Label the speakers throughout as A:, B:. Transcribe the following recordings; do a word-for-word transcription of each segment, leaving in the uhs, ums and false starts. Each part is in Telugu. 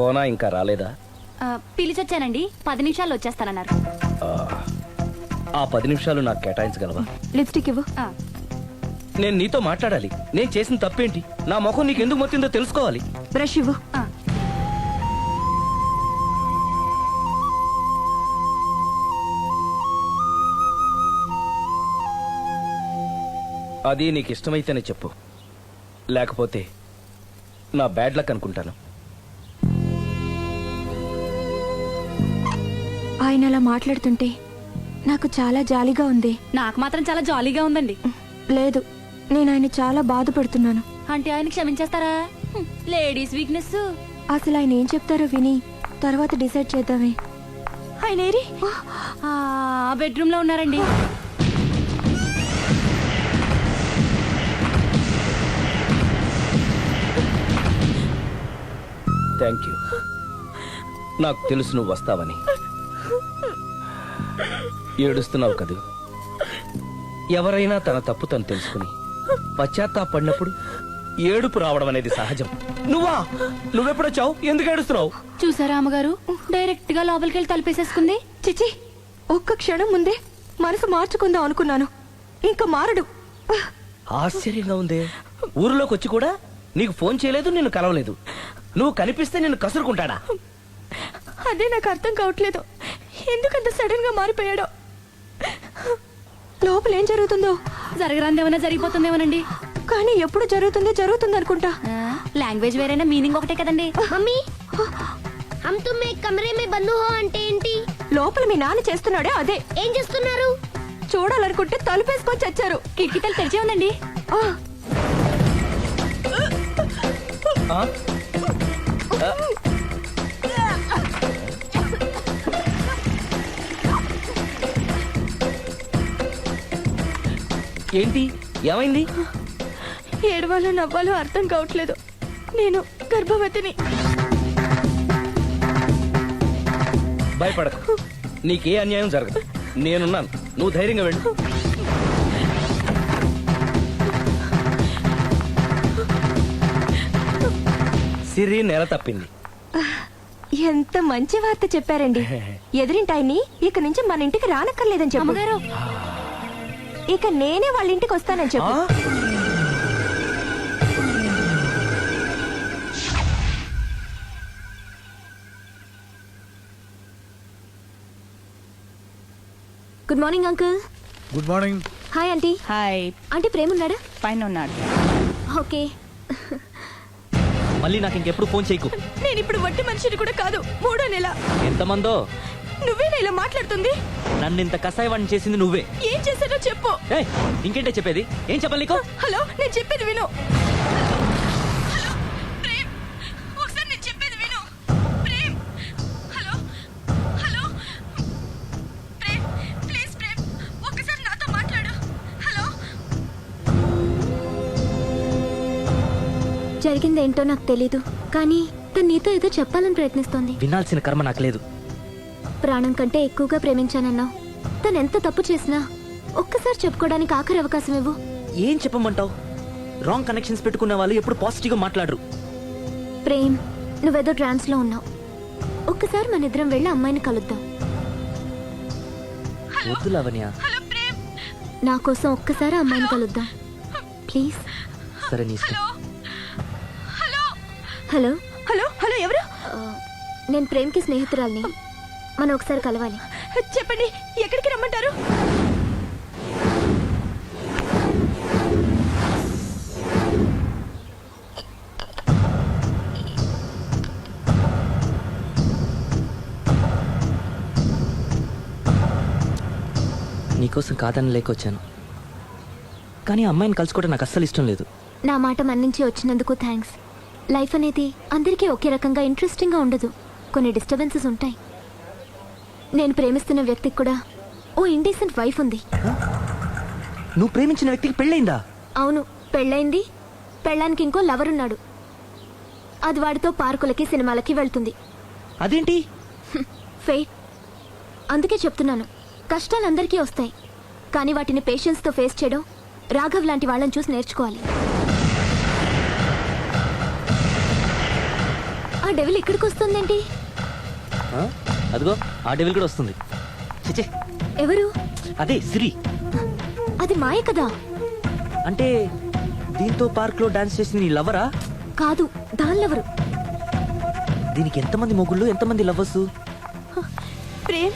A: సోనా ఇంకా రాలేదా?
B: పిలిచొచ్చానండి, పది నిమిషాల్లో వచ్చేస్తానన్నారు.
A: ఆ పది నిమిషాలు నాకు కేటాయించగలవా?
B: లిప్స్టిక్ ఇవ్వు.
A: నేను నీతో మాట్లాడాలి. నేను చేసిన తప్పేంటి, నా ముఖం నీకు ఎందుకు మొత్తిందో తెలుసుకోవాలి.
B: బ్రష్ ఇవ్వు.
A: అది నీకు ఇష్టమైతేనే చెప్పు, లేకపోతే నా బ్యాడ్ లక్ అనుకుంటాను.
C: ఆయన అలా మాట్లాడుతుంటే నాకు చాలా జాలీగా ఉంది.
B: నాకు మాత్రం చాలా జాలీగా ఉందండి.
C: లేదు, నేను ఆయన చాలా బాధపడుతున్నాను.
B: అంటే ఆయన క్షమించేస్తారా? Ladies weakness.
C: అసలు ఆయన ఏం చెప్తారో విని తర్వాత డిసైడ్ చేద్దామే.
B: ఆయన ఏరి బెడ్రూమ్ లో ఉన్నారండి.
A: Thank you. నాకు తెలుసు నువ్వు వస్తావని. ఏడుస్తున్నావు కదూ. ఎవరైనా తన తప్పు తను తెలుసుకుని పశ్చాత్తాపడినప్పుడు ఏడుపు రావడం అనేది సహజం. నువ్వా? నువ్వెప్పుడొచ్చావు? ఎందుకు ఏడుస్తున్నావు?
B: చూసారా అమ్మగారు, డైరెక్ట్ గా లోపలికి వెళ్ళి తలుపేసేసుకుంది.
C: చిచి, ఒక్క క్షణం ముందే మనసు మార్చుకుందాం అనుకున్నాను, ఇంకా మారడు.
A: ఆశ్చర్యంగా ఉందే. ఊరిలోకి వచ్చి కూడా నీకు ఫోన్ చేయలేదు, నిన్ను కలవలేదు. నువ్వు కనిపిస్తే నిన్ను కసురుకుంటాడా?
C: అదే నాకు అర్థం కావట్లేదు, ఎందుకంత సడన్ గా మారిపోయాడో. లోపల ఏం జరుగుతుందో.
B: జరగరాందేమన్నా జరిగిపోతుందేమోనండి.
C: కానీ ఎప్పుడు జరుగుతుందో జరుగుతుంది అనుకుంటా.
B: లాంగ్వేజ్ వేరైనా మీనింగ్ ఒకటే కదండి.
D: మమ్మీ, హమ్ తుమ్ ఏక్ కమరే మే బంద్ హో అంటే ఏంటి?
C: లోపల మీ నాన్న చేస్తున్నాడే అదే.
D: ఏం చేస్తున్నారు?
C: చూడాలనుకుంటే తలుపేసుకొని చచ్చారు.
B: కిటికీ తలుపు తెరిచే ఉందండి.
A: ఆ? ఆ? ఏంటి, ఏమైంది?
C: ఏడవాలో నవ్వాలో అర్థం కావట్లేదు. నేను గర్భవతిని.
A: భయపడకు, నీకే అన్యాయం జరగదు. నేనున్నాను, నువ్వు ధైర్యంగా వెళ్ళు. సిరి నెల తప్పింది.
C: ఎంత మంచి వార్త చెప్పారండి. ఎదురింటాయన్ని ఇక నుంచి మన ఇంటికి రానక్కర్లేదని చెప్పు.
B: అమ్మగారు,
C: ఇక నేనే వాళ్ళ ఇంటికి వస్తానని చెప్పు. Good morning uncle.
E: Good morning.
C: Hi aunty.
B: Hi.
C: Aunty Prem ఉన్నాడా?
B: పైన ఉన్నాడు.
C: ఓకే.
A: మళ్ళీ నాకు ఇంకెప్పుడు ఫోన్ చేయకు.
C: నేను ఇప్పుడు వట్టి మనిషిని కూడా కాదు, మూడో నెల.
A: ఎంతమందో.
C: నువ్వేనా ఇలా మాట్లాడుతుంది?
A: నన్ను ఇంత కసాయవాణ్ణి చేసింది నువ్వే.
C: ఏం చేశానో చెప్పు.
A: ఏయ్, ఇంకేంటే చెప్పేది? ఏం చెప్పాలి నీకు?
C: హలో, నేను చెప్పేది విను. హలో ప్రేమ్, ఒకసారి నేను చెప్పేది విను. Prem, hello hello Prem, please Prem, ఒకసారి నాతో మాట్లాడు. హలో. జరిగిందేంటో నాకు తెలీదు, కానీ తను నీతో ఏదో చెప్పాలని ప్రయత్నిస్తోంది.
A: వినాల్సిన కర్మ నాకు లేదు.
C: ప్రాణం కంటే ఎక్కువగా ప్రేమించానన్నావు. తను ఎంత తప్పు చేసినా ఒక్కసారి చెప్పుకోవడానికి ఆఖరి అవకాశం ఇవ్వు.
A: ఏం చెప్పమంటావు? రాంగ్ కనెక్షన్స్ పెట్టుకున్న వాళ్ళు ఎప్పుడు పాజిటివ్ గా మాట్లాడరు.
C: ప్రేమ్, నువ్వేదో ట్రాన్స్ లో ఉన్నావు. ఒక్కసారి మన ఇద్దరం వెళ్ళి అమ్మాయిని కలుద్దాం.
A: వద్దు లావణ్య.
C: నా కోసం ఒక్కసారి అమ్మాయిని కలుద్దాం ప్లీజ్.
A: సరే, నీ ఇష్టం.
C: హలో హలో హలో ఎవరు? నేను ప్రేమ్కి స్నేహితురాల్ని. మనం ఒకసారి కలవాలి. చెప్పండి, ఎక్కడికి రమ్మంటారు?
A: నీకోసం కాదని లేకొచ్చాను, కానీ అమ్మాయిని కలుసుకోవడం నాకు అస్సలు ఇష్టం లేదు.
C: నా మాట మన్నించి వచ్చినందుకు థ్యాంక్స్. లైఫ్ అనేది అందరికీ ఒకే రకంగా ఇంట్రెస్టింగ్గా ఉండదు, కొన్ని డిస్టర్బెన్సెస్ ఉంటాయి. నేను ప్రేమిస్తున్న వ్యక్తికి కూడా ఓ ఇండీసెంట్ వైఫ్ ఉంది.
A: నువ్వు ప్రేమించిన వ్యక్తికి పెళ్ళైందా?
C: అవును, పెళ్ళైంది. పెళ్ళానికి ఇంకో లవర్ ఉన్నాడు. అది వాడితో పార్కులకి సినిమాలకి వెళ్తుంది.
A: అదేంటి?
C: ఫేట్. అందుకే చెప్తున్నాను, కష్టాలు అందరికీ వస్తాయి, కానీ వాటిని పేషెన్స్తో ఫేస్ చేయడం రాఘవ్ లాంటి వాళ్ళని చూసి నేర్చుకోవాలి. ఆ డెవిల్ ఇక్కడికి వస్తుందేంటి?
E: ఆ? అదిగో ఆ డెవిల్ కూడా వస్తుంది. చిచి,
C: ఎవరు?
E: అదే సిరి.
C: అది మాయ కదా?
E: అంటే దీంతో పార్క్ లో డాన్స్ చేసింది నీ లవరా?
C: కాదు, దానిలెవరు?
E: దీనికి ఎంతమంది మొగుళ్ళు, ఎంతమంది లవర్స్?
C: ప్రేమ్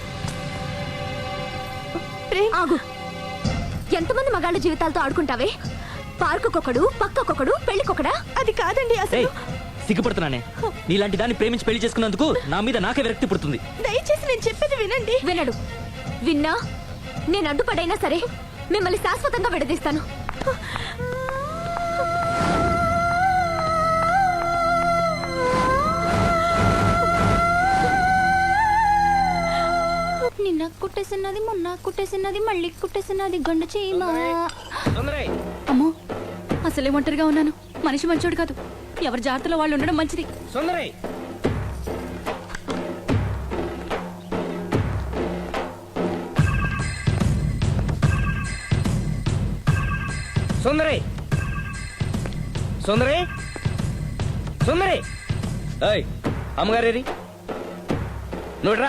C: ప్రేమ్ ఆగు. ఎంతమంది మగాళ్ళ జీవితాలతో ఆడుకుంటావే? పార్కుకొకడు, పక్కకొకడు, పెళ్లికొకడా? అది కాదండి
E: ఏయ్, సిగ్గుపడుతున్నానే. నీలాంటి దాన్ని ప్రేమించి పెళ్లి చేసుకున్నందుకు నా మీద నాకే విరక్తి పుడుతుంది.
C: దయచేసి నేను చెప్పేది వినండి. వినడు. విన్నా నేను అడ్డుపడైనా సరే మిమ్మల్ని శాశ్వతంగా విడదీస్తాను. నిన్న కుట్టేసినది, మొన్న కుట్టేసినది, మళ్ళీ కుట్టేసినది గండు చీమ.
A: సుందరై,
B: అమ్మో, అసలే ఒంటరిగా ఉన్నాను. మనిషి మంచోడు కాదు. ఎవరి జాగ్రత్తలో వాళ్ళు ఉండడం మంచిది.
A: సుందరై, సుందరై, సుందరై, సుందరై. ఏయ్, అమ్మగారేరి నువ్వురా.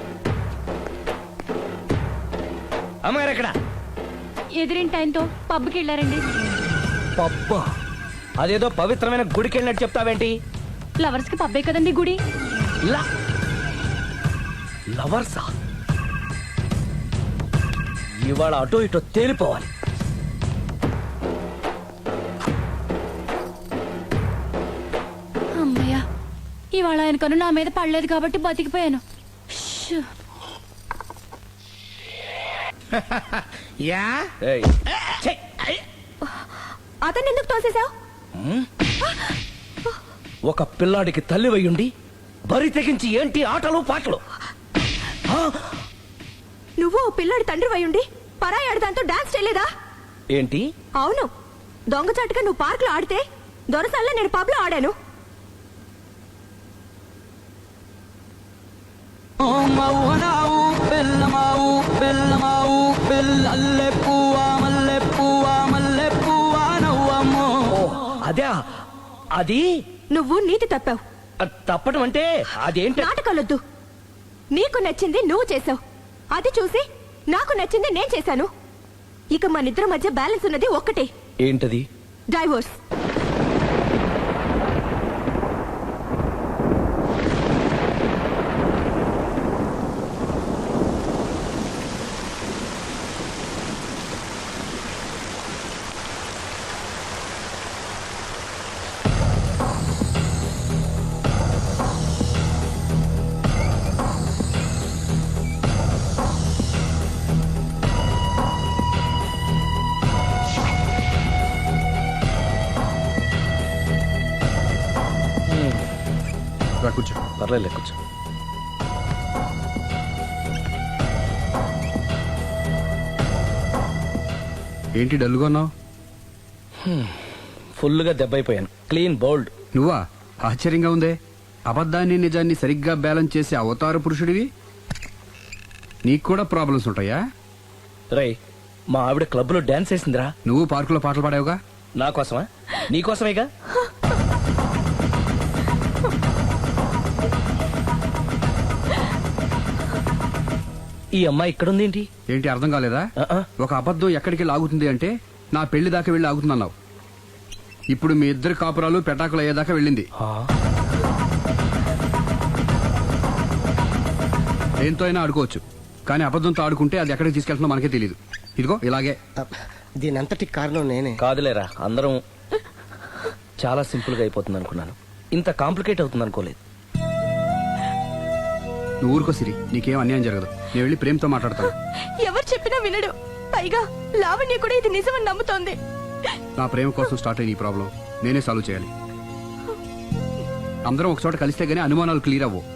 A: అమ్మగారు ఎక్కడ?
B: ఎదిరింటి ఆయనతో పబ్కి వెళ్ళారండి.
A: పబ్బ, అదేదో పవిత్రమైన గుడికి వెళ్ళినట్టు చెప్తావేంటి?
B: లవర్స్ కి పబ్బే కదండి గుడి.
A: లా లవర్సా? ఇవాళ అటో ఇటో తేలిపోవాలి.
B: అమ్మయ్య, ఇవాళ ఆయన కను నా మీద పడలేదు కాబట్టి బతికిపోయాను. షూ.
F: యా
A: ఏయ్, ఛీ!
C: అతన్ని ఎందుకు తోసేశావు?
A: ఒక పిల్లాడికి తల్లి వయ్యుండి బరి తెగించి ఏంటి ఆటలు పాటలు? ఆ?
C: నువ్వు ఓ పిల్లడి తండ్రి వయ్యుండి పరాయి ఆడదాంతో డాన్స్ చేయలేదా?
A: ఏంటి?
C: అవును, దొంగచాటుగా నువ్వు పార్క్ లో ఆడితే దొరసల్లా నేను పబ్ లో ఆడాను.
A: ఓ, అదే అది.
C: నువ్వు నీతి తప్పావు.
A: అది తప్పడం అంటే అదేంటి?
C: నాటకాలొద్దు. నీకు నచ్చింది నువ్వు చేసావు, అది చూసి నాకు నచ్చింది నేను చేశాను. ఇక మన ఇద్దరి మధ్య బ్యాలెన్స్ ఉన్నది ఒక్కటే,
A: ఏంటది?
C: డైవోర్స్.
F: రా కూర్చో.
A: పర్లేదు, కూర్చో.
F: ఏంటి డల్గా ఉన్నావు?
A: ఫుల్గా దెబ్బైపోయాను. Clean bowled.
F: నువ్వా? ఆశ్చర్యంగా ఉందే. అబద్ధాన్ని నిజాన్ని సరిగ్గా బ్యాలెన్స్ చేసే అవతార పురుషుడివి. నీకు కూడా ప్రాబ్లమ్స్ ఉంటాయా?
A: రై, మా ఆవిడ క్లబ్ లో డాన్స్ వేసిందిరా.
F: నువ్వు పార్కులో పాటలు పాడావుగా.
A: నా కోసమా? నీకోసమేగా. ఈ అమ్మాయి ఇక్కడుంది ఏంటి?
F: ఏంటి అర్థం కాలేదా?
A: ఆ-ఆ.
F: ఒక అబద్ధం ఎక్కడికి లాగుతుంది అంటే నా పెళ్లి దాకా వెళ్ళి ఆగుతుందన్నావు. ఇప్పుడు మీ ఇద్దరు కాపురాలు పెటాకులు అయ్యేదాకా వెళ్ళింది.
A: ఆ?
F: దేంతో అయినా ఆడుకోవచ్చు, కానీ అబద్ధంతో ఆడుకుంటే అది ఎక్కడికి తీసుకెళ్తుందో మనకే తెలియదు. ఇదిగో ఇలాగే.
G: దీనంతటి కారణం నేనే.
A: కాదులేరా, అందరం చాలా సింపుల్ గా అయిపోతుంది అనుకున్నాను. ఇంత కాంప్లికేట్ అవుతుంది అనుకోలేదు.
F: నువ్వు ఊరుకో సిరి, నీకేం అన్యాయం జరగదు. నేను వెళ్ళి ప్రేమతో మాట్లాడతాను.
C: ఎవరు చెప్పినా వినడు. పైగా లావణ్య కూడా ఇది నిజమని నమ్ముతోంది.
F: నా ప్రేమ కోసం స్టార్ట్ అయిన ఈ ప్రాబ్లం నేనే సాల్వ్ చేయాలి. అందరం ఒక చోట కలిస్తే గానీ అనుమానాలు క్లియర్ అవ్వవు.